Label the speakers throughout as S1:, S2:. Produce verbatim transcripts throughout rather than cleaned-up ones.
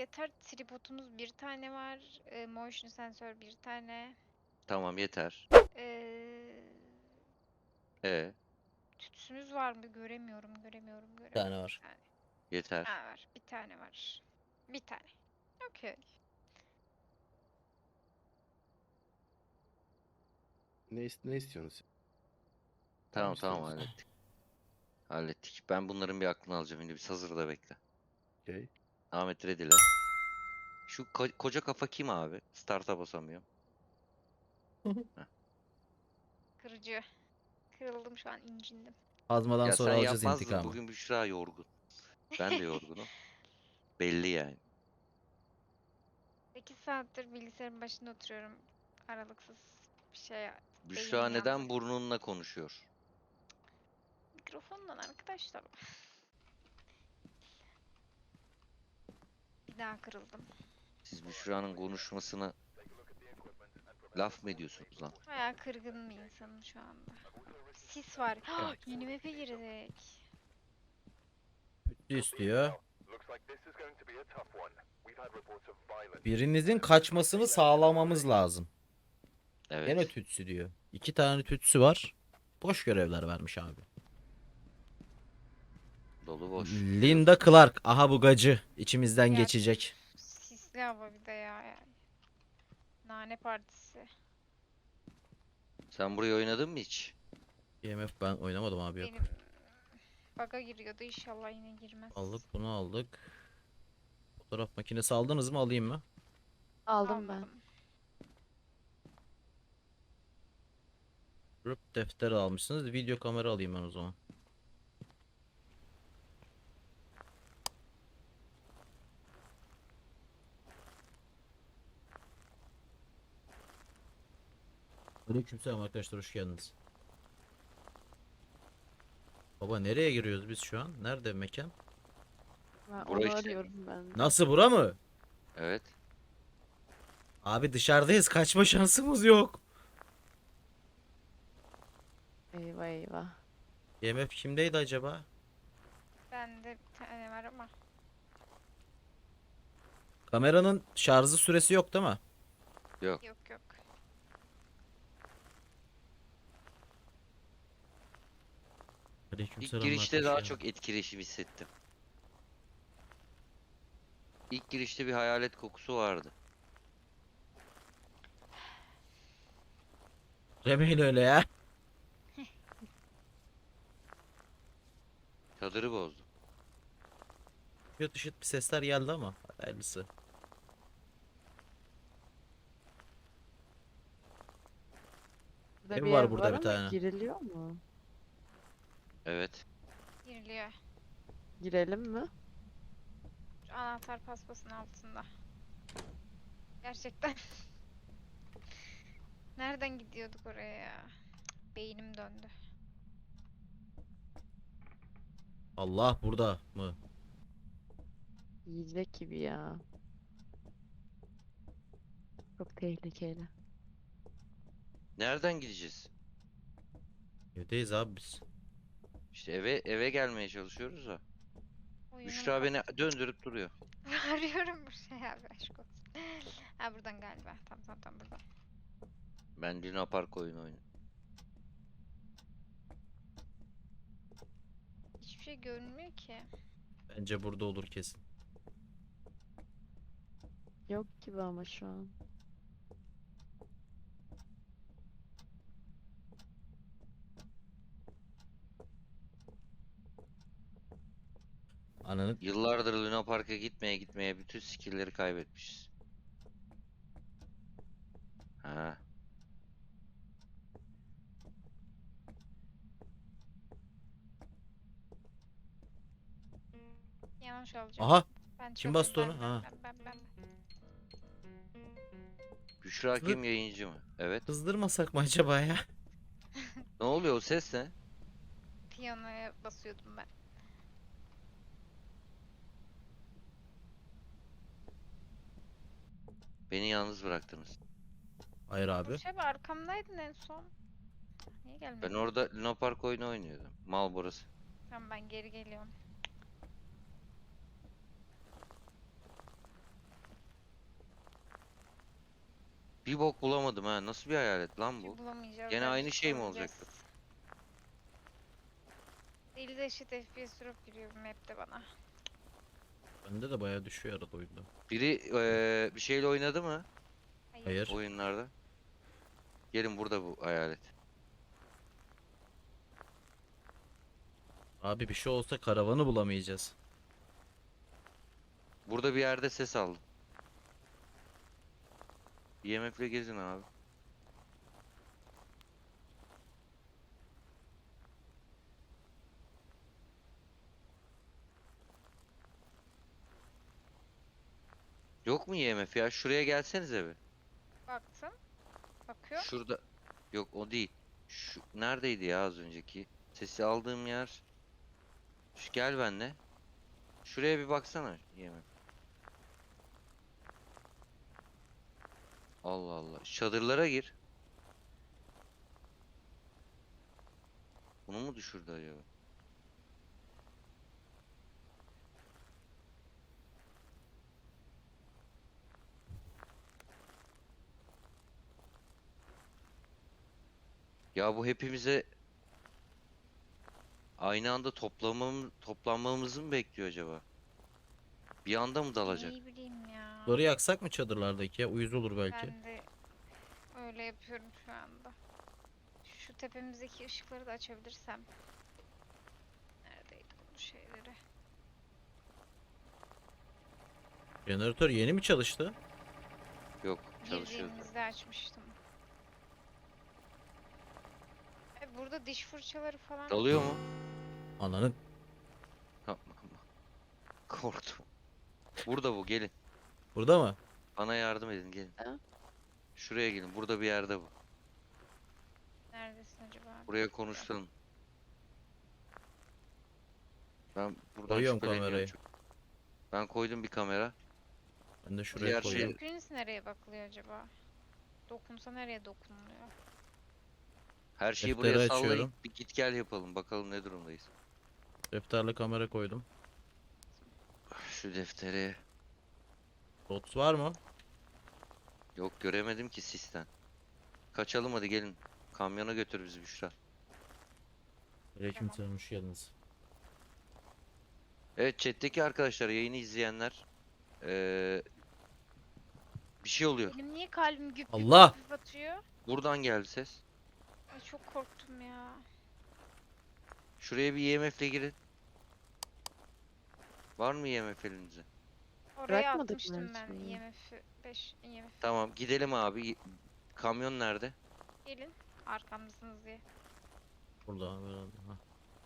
S1: yeter. Tripodumuz bir tane var. E, motion sensör bir tane.
S2: Tamam yeter.
S1: Ee,
S2: E
S1: tütsümüz var mı? Göremiyorum, göremiyorum,
S3: Bir tane
S1: göremiyorum. Bir
S3: var.
S1: tane.
S2: yeter.
S1: Ha, var. Bir tane var. Bir tane. Okey.
S4: Ne, ist- ne istiyorsunuz? siz? Var mı
S2: Tamam tamam
S4: isteğiniz?
S2: hallettik. Hallettik. Ben bunların bir aklını alacağım. Şimdi bir hazırda bekle.
S4: Okey.
S2: Ahmet Redile. Şu ko- koca kafa kim abi? Start'a basamıyorum. Heh.
S1: Kırıcı. Kırıldım şu an, incindim.
S3: Azmadan
S2: Ya sen
S3: sonra alacağız
S2: yapmazdın.
S3: intikamı.
S2: Bugün Büşra yorgun. Ben de yorgunum. Belli yani.
S1: sekiz saattir bilgisayarın başında oturuyorum. Aralıksız bir şey.
S2: Büşra
S1: Beynim yandı.
S2: neden burnunla konuşuyor?
S1: Mikrofondan arkadaşlar. Bir daha kırıldım.
S2: Siz Büşra'nın konuşmasına laf mı ediyorsunuz lan?
S1: Bayağı kırgın bir insanım şu anda. Sis var. Yeni map'e girdik.
S3: Bütçe istiyor. Birinizin kaçmasını sağlamamız lazım.
S2: Evet.
S3: Gene tütsü diyor. İki tane tütsü var. Boş görevler vermiş abi.
S2: Dolu boş.
S3: Linda Clark. Aha bu gacı. İçimizden
S1: Ya,
S3: geçecek.
S1: Sisli hava bir de ya yani. Nane partisi.
S2: Sen burayı oynadın mı hiç?
S3: E M F ben oynamadım abi yok.
S1: Benim baga giriyordu, inşallah yine girmez.
S3: Aldık bunu aldık. Fotoğraf makinesi aldınız mı, alayım mı?
S5: Aldım ben.
S1: Almadım.
S3: Grup defteri almışsınız. Video kamera alayım ben o zaman. Aleykümselam arkadaşlar, hoş geldiniz. Baba nereye giriyoruz biz şu an? Nerede mekan?
S5: Ben
S2: Bura
S5: onu
S2: işte.
S5: arıyorum ben. de.
S3: Nasıl, bura mı?
S2: Evet.
S3: Abi dışarıdayız, kaçma şansımız yok.
S5: Eyvah eyvah.
S3: E M F kimdeydi acaba?
S1: Bende bir tane var ama.
S3: Kameranın şarjı süresi yok değil mi?
S2: Yok.
S1: Yok yok.
S2: İlk
S3: Aleykümselam
S2: girişte
S3: arkadaş
S2: daha
S3: ya.
S2: çok etkileşim hissettim. İlk girişte bir hayalet kokusu vardı.
S3: Demeyin öyle ya.
S2: Çadırı bozdu.
S3: Kötü şıt bir sesler geldi ama hayırlısı.
S5: Burada
S3: Ev
S5: bir
S3: var
S5: ev
S3: burada
S5: var
S3: bir
S5: ama
S3: tane.
S5: giriliyor mu?
S2: Evet.
S1: Giriliyor.
S5: Girelim mi?
S1: Şu anahtar paspasın altında. Gerçekten. Nereden gidiyorduk oraya ya? Cık, beynim döndü.
S3: Allah burada mı?
S5: Yiyecek gibi ya. Çok tehlikeli.
S2: Nereden gideceğiz?
S3: Evdeyiz abi biz.
S2: İşte eve eve gelmeye çalışıyoruz da.
S1: Oyunum
S2: Büşra
S1: bak-
S2: beni döndürüp duruyor.
S1: Arıyorum bir şey abi, aşk olsun. Ha, buradan galiba. Tamam tamam tamam, buradan.
S2: Ben Luna Park oyunu oynuyorum.
S1: Hiçbir şey görünmüyor ki.
S3: Bence burada olur kesin.
S5: Yok gibi ama şu an.
S3: Ananı
S2: Yıllardır Luna Park'a gitmeye gitmeye bütün skill'leri kaybetmişiz. Ha.
S1: Yanlış olacak.
S3: Aha,
S1: Ben
S3: kim
S1: çözdüm,
S3: bastı
S1: ben,
S3: onu?
S1: Ben,
S3: Ha.
S1: ben, ben, ben.
S2: Büşra
S3: Kızı-
S2: kim, yayıncı mı? Evet.
S3: kızdırmasak mı acaba ya?
S2: Ne oluyor, o ses ne?
S1: Piyanoya basıyordum ben.
S2: Beni yalnız bıraktınız.
S3: Hayır abi.
S1: Burç abi, arkamdaydın en son. Niye gelmedin?
S2: Ben orada Luna Park oyunu oynuyordum. Mal burası.
S1: Tamam, ben geri geliyorum.
S2: Bir bok bulamadım ha. Nasıl bir hayalet lan bu?
S1: Bulamayacağız.
S2: Gene
S1: ya,
S2: aynı
S1: biz
S2: şey mi
S1: bulacağız.
S2: olacaktı?
S1: elli de eşit F P S drop giriyor bu map'te bana.
S3: Bende de bayağı düşüyor arada oyunda.
S2: Biri eee, bir şeyle oynadı mı
S1: Hayır.
S3: Hayır.
S2: oyunlarda? Gelin burada bu hayalet.
S3: Abi bir şey olsa karavanı bulamayacağız.
S2: Burada bir yerde ses aldım. I M F'le gezin abi. Yok mu I M F ya? Şuraya gelsenize bir.
S1: Baktım. Bakıyor.
S2: Şurada. Yok o değil. Şu neredeydi ya az önceki? Sesi aldığım yer. Şu gel benle. Şuraya bir baksana I M F. Allah Allah. Çadırlara gir. Bunu mu düşürdü acaba? Ya bu hepimize aynı anda toplamam, toplanmamızı mı bekliyor acaba? Bir anda mı dalacak?
S1: Ne bileyim ya.
S3: Bunları yaksak mı çadırlardaki ya? Uyuz olur belki.
S1: Ben de öyle yapıyorum şu anda. Şu tepemizdeki ışıkları da açabilirsem. Neredeydi bunun şeyleri?
S3: Jeneratör yeni mi çalıştı?
S2: Yok, çalışıyordu.
S1: Girdiğimizde açmıştım. E, burada diş fırçaları falan.
S2: Dalıyor mu?
S3: Ananın.
S2: Yapma ama. Korktum. Burada bu, gelin.
S3: Burada mı?
S2: Bana yardım edin, gelin.
S5: Ha?
S2: Şuraya gelin, burada bir yerde bu.
S1: Neredesin acaba?
S2: Buraya konuşturun. Ben buradan
S3: Koyuyorum
S2: şüpheleniyorum
S3: kamerayı.
S2: çok. Ben koydum bir kamera.
S3: Ben de şuraya
S2: Diğer şey-
S3: koyayım.
S1: Screens nereye bakılıyor acaba? Dokunsa nereye dokunuluyor?
S2: Her şeyi
S3: Defteri
S2: buraya sallayın.
S3: açıyorum.
S2: Bir git gel yapalım, bakalım ne durumdayız.
S3: Defterle kamera koydum.
S2: Şu defteri.
S3: Dots var mı?
S2: Yok göremedim ki sisten. Kaçalım hadi gelin. Kamyona götür bizi Büşra.
S3: Aleykümselam, hoş geldiniz.
S2: Evet chat'teki arkadaşlar, yayını izleyenler. Ee, bir şey oluyor.
S1: Benim niye kalbim güp güp
S3: Allah!
S1: güp atıyor?
S2: Buradan geldi ses.
S1: Ay çok korktum ya.
S2: Şuraya bir I M F'le girin. Var mı I M F elinizde?
S1: Oraya
S5: Bırakmadık mı
S1: atmıştım ben
S5: şeyi?
S1: I M F beş I M F.
S2: Tamam gidelim abi. Y- Kamyon nerede?
S1: Gelin arkamdasınız diye.
S3: Burada abi herhalde. Ha.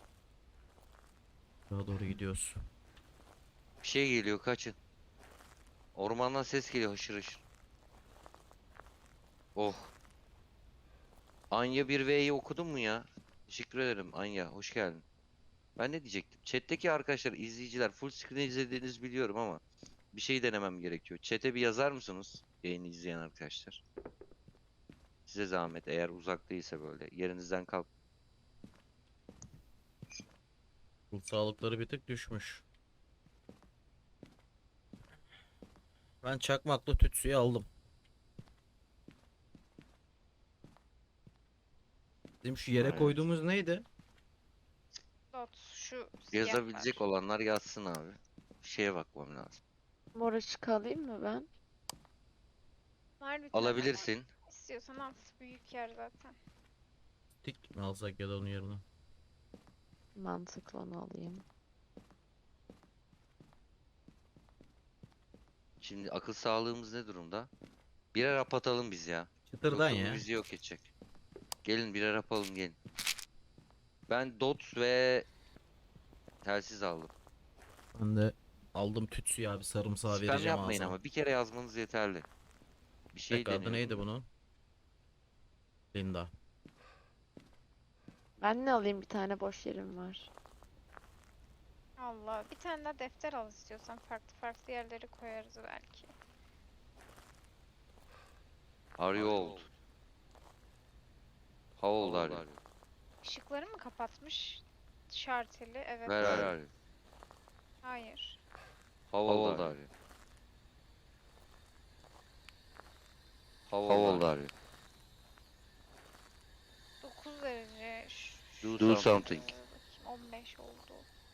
S3: Daha doğru gidiyoruz.
S2: Bir şey geliyor, kaçın. Ormandan ses geliyor hışır hışır. Oh. Anya bir V'yi okudun mu ya? Teşekkür ederim Anya, hoş geldin. Ben ne diyecektim? Chat'teki arkadaşlar, izleyiciler full screen izlediğinizi biliyorum ama bir şey denemem gerekiyor. Chat'e bir yazar mısınız? Yayını izleyen arkadaşlar. Size zahmet, eğer uzak değilse böyle. Yerinizden kalk.
S3: Ruh sağlıkları bir tık düşmüş. Ben çakmakla tütsüyü aldım. Bizim şu yere
S2: Evet.
S3: koyduğumuz neydi?
S1: Dot şu
S2: Yazabilecek
S1: siyahlar.
S2: olanlar yazsın abi. Bir şeye bakmam lazım.
S5: Mor ışık alayım mı ben?
S1: Var bir tane.
S2: Alabilirsin.
S1: İstiyorsan al. Büyük yer zaten.
S3: Tik mi alsak ya da onun yerine?
S5: Mantıklı, onu alayım.
S2: Şimdi akıl sağlığımız ne durumda? Birer hap atalım biz ya.
S3: Çıtırdan
S2: Yoksa bu
S3: ya.
S2: bizi yok edecek. Gelin birer yapalım gelin. Ben dot ve telsiz aldım.
S3: Ben de aldım tütsüyü abi, sarımsağı
S2: Spam
S3: vereceğim
S2: yapmayın
S3: ağzıma.
S2: ama bir kere yazmanız yeterli. Bir şey
S3: Tek adı
S2: deniyorum
S3: neydi
S2: ben.
S3: bunun? Linda.
S5: Ben ne alayım? Bir tane boş yerim var.
S1: Allah. Bir tane daha defter al istiyorsan. Farklı farklı yerlere koyarız belki.
S2: Are you old? How old are you?
S1: Işıkları mı kapatmış? Şarteli. Evet.
S2: Where are you?
S1: Hayır.
S2: How old are you? How old are you?
S1: dokuz derece. Şu-
S2: Do
S1: şurada
S2: something.
S1: bakayım, on beş oldu.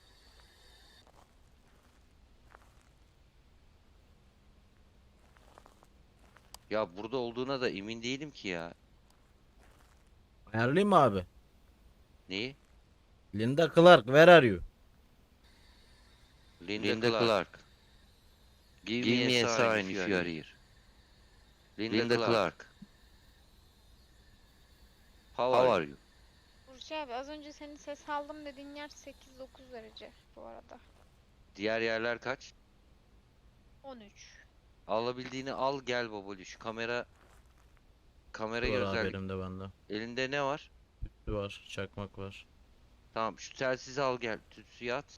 S2: Ya burada olduğuna da emin değilim ki ya.
S3: Ayarlayayım mı abi?
S2: Neyi?
S3: Linda Clark, where are you?
S2: Linda, Linda Clark. Clark. Give,
S4: Give
S2: me a sign if you are here. Linda,
S4: Linda
S2: Clark.
S4: Clark.
S2: How,
S4: How
S2: are,
S4: are
S2: you?
S4: you?
S1: Burcu abi az önce senin ses aldım dediğin yer sekiz dokuz derece bu arada.
S2: Diğer yerler kaç?
S1: on üç.
S2: Alabildiğini al gel babacığım. Kamera kamerayı
S3: Var abi
S2: özellik.
S3: elimde bende.
S2: Elinde ne var?
S3: Tütsü var, çakmak var.
S2: Tamam şu telsizi al gel. Tütsüyü at.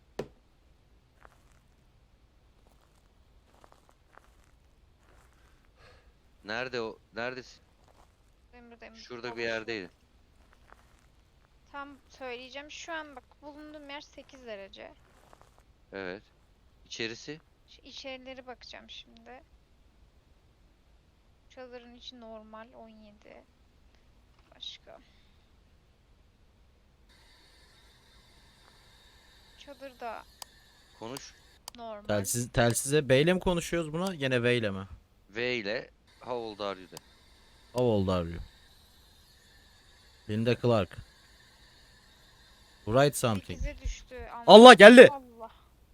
S2: Nerede o? Neredesin?
S1: Benim buradayım.
S2: Şurada bir
S1: Konuşuyor.
S2: yerdeydi.
S1: Tam söyleyeceğim. Şu an bak bulunduğum yer sekiz derece.
S2: Evet. İçerisi?
S1: Şu içerileri bakacağım şimdi. Çadırın içi normal on yedi. Başka. Çadırda
S2: Konuş.
S1: normal.
S3: Telsiz, telsize B ile mi konuşuyoruz buna? Yine V ile mi?
S2: V ile how old are you de.
S3: How old are you? Linda Clark. Write something.
S1: sekize düştü. Aman
S3: Allah geldi.
S1: Allah.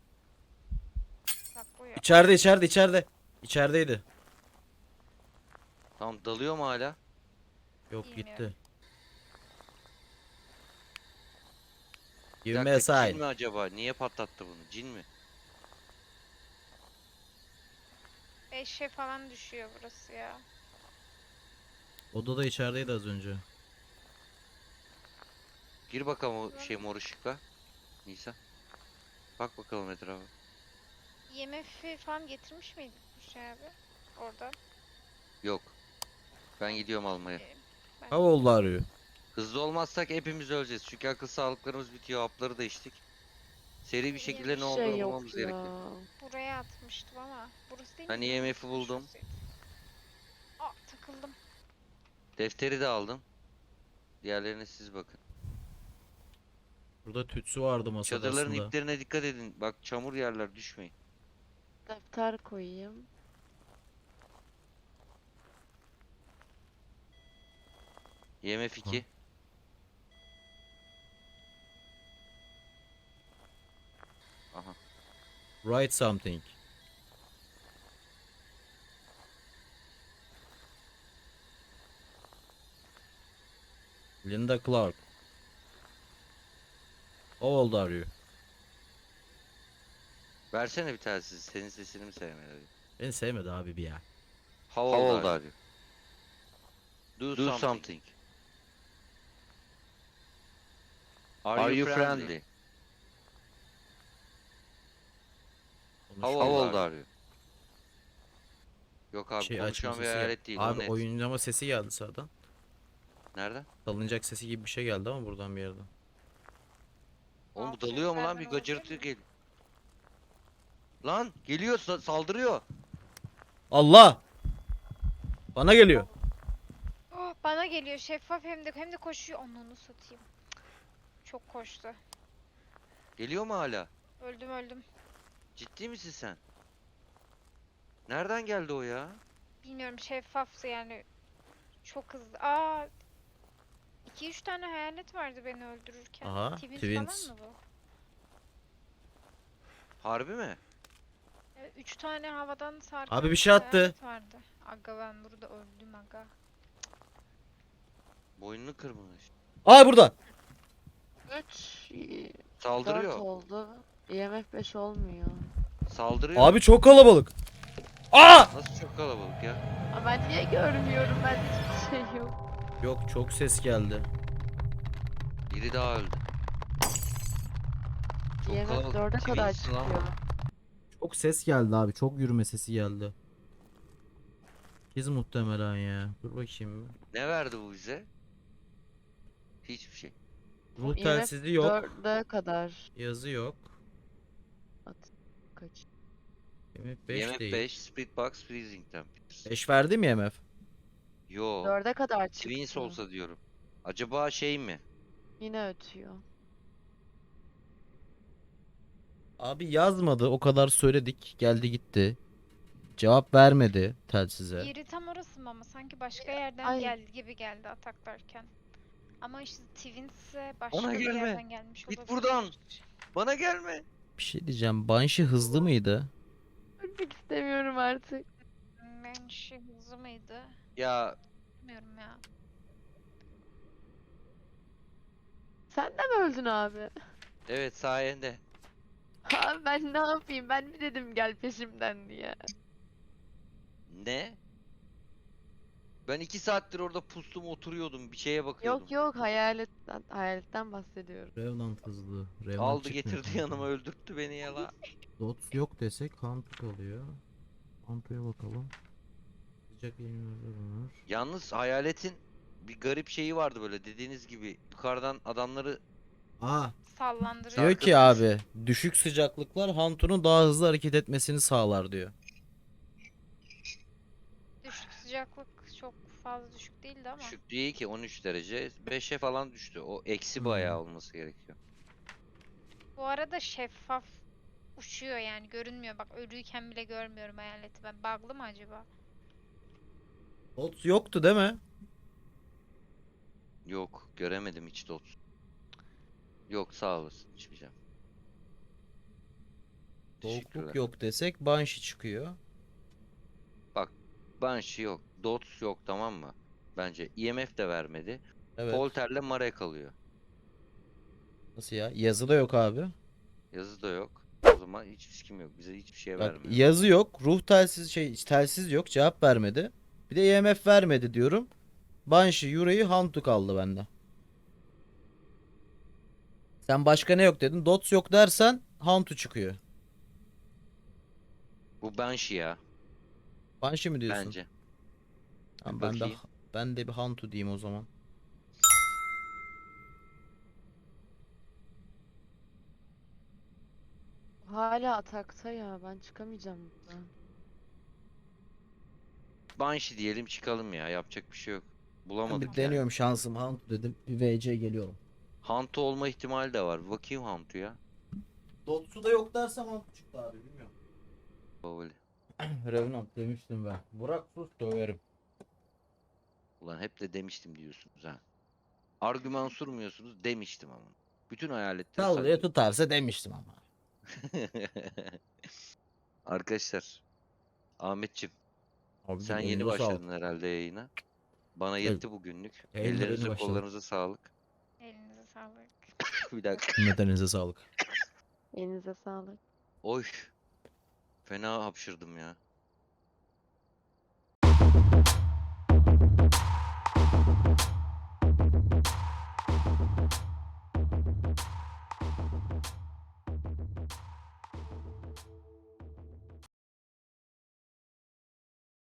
S1: Bak bu ya.
S3: İçeride, içeride, içeride. İçerideydi.
S2: Tamam dalıyor mu hala?
S3: Yok
S1: Bilmiyorum.
S3: gitti.
S2: Bir
S3: Give me a
S2: dakika, cin
S3: sign.
S2: mi acaba? Niye patlattı bunu? Cin mi?
S1: beşe falan düşüyor burası ya.
S3: Oda da içerideydi az önce.
S2: Gir bakalım o şey mor ışıkla. Nisa. Bak bakalım etrafa.
S1: I M F'i falan getirmiş miydin bu şey abi? Orada.
S2: Yok. Ben gidiyorum almaya.
S1: Ee, ben
S3: How old are you?
S2: Hızlı olmazsak hepimiz öleceğiz. Çünkü akıl sağlıklarımız bitiyor. Hapları da içtik. Seri bir şekilde ne
S5: Bir
S2: olduğunu
S5: şey
S2: bulmamız
S5: yok ya.
S2: gerekiyor.
S1: buraya atmıştım ama burası değil
S2: Ben
S1: mi?
S2: I M F'i buldum.
S1: Şurasıydı. Aa takıldım.
S2: Defteri de aldım. Diğerlerine siz bakın.
S3: Burada tütsü vardı masada
S2: Çadırların
S3: aslında.
S2: iplerine dikkat edin. Bak çamur yerler düşmeyin.
S5: Defter koyayım.
S2: I M F iki. Aha.
S3: Write something. Linda Clark. How old are you?
S2: Versene bir telsiz. Senin sesini mi sevmeli?
S3: Beni sevmedi abi bir ya.
S2: How old, are you? Do,
S4: Do
S2: something.
S4: something.
S2: Are,
S4: Are
S2: you
S4: you
S2: friendly?
S4: friendly?
S2: How
S3: Konuşuyor.
S2: old,
S4: How old
S2: are you?
S4: are you?
S2: Yok abi
S3: Şey
S2: konuşan
S3: açma
S2: bir
S3: sesi
S2: hayalet
S3: geldi.
S2: değil. o
S3: Abi
S2: net.
S3: oyuncama sesi geldi sağdan.
S2: Nereden?
S3: Salınacak sesi gibi bir şey geldi ama buradan bir yerden.
S2: Oğlum bu
S1: Aa,
S2: dalıyor mu lan? Bir
S1: seslerden olabilir
S2: gacırtı
S1: mi?
S2: gel. Lan geliyor sa- saldırıyor.
S3: Allah! Bana geliyor.
S1: Oh, bana geliyor şeffaf hem de hem de koşuyor. Onu satayım. Çok koştu.
S2: Geliyor mu hala?
S1: Öldüm öldüm.
S2: Ciddi misin sen? Nereden geldi o ya?
S1: Bilmiyorum şeffaftı yani. Çok hızlı. Aa iki üç tane hayalet vardı beni öldürürken.
S3: Aha,
S1: Twins,
S3: Twins.
S1: falan mı bu?
S2: Harbi mi?
S1: Evet, üç tane havadan sarkan
S3: Abi bir şey attı.
S1: hayalet vardı. Aga ben burada öldüm aga.
S2: Boynunu kırmış.
S3: Aa burada.
S5: üç, dört
S2: Saldırıyor.
S5: oldu. I M F beş olmuyor.
S2: Saldırıyor.
S3: Abi çok kalabalık. Aa!
S2: Nasıl çok kalabalık ya?
S5: Ama ben niye görmüyorum? Bende hiçbir şey yok.
S3: Yok çok ses geldi.
S2: Biri daha öldü. Çok
S5: I M F
S2: kalabalık.
S5: dörde kadar
S2: Twins lan.
S5: çıkıyor.
S3: Çok ses geldi abi. Çok yürüme sesi geldi. Biz muhtemelen ya. Dur bakayım.
S2: Ne verdi bu bize? Hiçbir şey.
S3: Ruh
S5: I M F
S3: telsizi yok.
S5: dörde kadar.
S3: Yazı yok.
S5: At. Kaç?
S3: M F beş
S2: I M F
S3: değil.
S2: beş, Split Box, Freezing Temperature.
S3: beş verdi mi M F?
S2: Yo.
S5: Dörde kadar
S2: Twins
S5: çıktı.
S2: olsa diyorum. Acaba şey mi?
S5: Yine ötüyor.
S3: Abi yazmadı. O kadar söyledik. Geldi gitti. Cevap vermedi telsize.
S1: Yeri tam orası mı ama sanki başka yerden
S5: Ay.
S1: geldi gibi geldi ataklarken. Ama işte Twins'e başka
S2: Bana
S1: bir
S2: gelme.
S1: yerden gelmiş
S2: Git
S1: olabilir.
S2: buradan. Bana gelme.
S3: Bir şey diyeceğim. Banshee hızlı mıydı?
S5: Ölmek istemiyorum artık.
S1: Menşe hızlı mıydı?
S2: Ya
S1: Bilmiyorum ya.
S5: Sen de mi öldün abi?
S2: evet sayende.
S5: Abi ben ne yapayım? Ben mi dedim gel peşimden diye.
S2: Ne? Ben iki saattir orada pustum oturuyordum. Bir şeye bakıyordum.
S5: Yok yok hayaletten, hayaletten bahsediyorum.
S3: Revenant hızlı. Revenant
S2: Aldı
S3: çıkmıyor
S2: getirdi
S3: kanka.
S2: yanıma öldürttü beni ya la.
S3: Dots yok desek Hantu kalıyor. Hantu'ya bakalım. Sıcak yayınlar.
S2: Yalnız hayaletin bir garip şeyi vardı böyle dediğiniz gibi yukarıdan adamları
S3: Aa,
S1: Sallandırıyor.
S3: diyor ki
S2: Sarkıtmış.
S3: abi düşük sıcaklıklar Hantu'nun daha hızlı hareket etmesini sağlar diyor.
S1: Düşük sıcaklık çok fazla düşük değildi ama.
S2: düşük değil ki on üç derece beşe falan düştü. O eksi
S3: Hmm.
S2: bayağı olması gerekiyor.
S1: Bu arada şeffaf uçuyor yani görünmüyor. Bak ölüyken bile görmüyorum hayaleti. Ben bug'lı mı acaba?
S3: Dots yoktu değil mi?
S2: Yok göremedim hiç dot. Yok sağ olasın içmeyeceğim.
S3: Soğukluk
S2: Teşekkürler.
S3: yok desek Banshee çıkıyor.
S2: Banshee yok. Dots yok tamam mı? Bence I M F de vermedi.
S3: Evet.
S2: Polter'le Mare kalıyor.
S3: Nasıl ya? Yazı da yok abi.
S2: Yazı da yok. O zaman hiç fiskim yok. Bize hiçbir şey
S3: Bak
S2: vermiyor.
S3: yazı yok. Ruh telsiz şey telsiz yok. Cevap vermedi. Bir de E M F vermedi diyorum. Banshee, Yurei, Hantu kaldı bende. Sen başka ne yok dedin? Dots yok dersen Hantu çıkıyor.
S2: Bu Banshee ya.
S3: Banshee mi diyorsun?
S2: Bence.
S3: Tamam,
S2: Bir
S3: ben de
S2: bakayım.
S3: ben de bir Hantu diyeyim o zaman.
S5: Hala atakta ya. Ben çıkamayacağım buradan.
S2: Banshee diyelim çıkalım ya. Yapacak bir şey yok.
S3: Ben
S2: Bulamadık
S3: bir
S2: yani.
S3: deniyorum şansım Hantu dedim. Bir V C geliyorum.
S2: Hantu olma ihtimali de var. Bir bakayım Hantu'ya.
S3: Dots'u da yok dersem Hantu çıktı abi bilmiyorum.
S2: Babali.
S3: Revenant demiştim ben. Burak sus döverim.
S2: Ulan hep de demiştim diyorsunuz ha. Argüman surmuyorsunuz demiştim ama. Bütün hayaletleri
S3: Sallaya
S2: saklıyor.
S3: tutarsa demiştim ama.
S2: Arkadaşlar. Ahmetçim
S3: Abi
S2: sen yeni başladın herhalde yayına. Bana yetti bugünlük.
S3: Yayına yeni
S2: Ellerinize
S3: başladım.
S2: kollarınıza sağlık.
S1: Elinize sağlık.
S2: Bir dakika.
S3: Nedeninize sağlık.
S5: Elinize sağlık.
S2: Oy. Fena hapşırdım ya.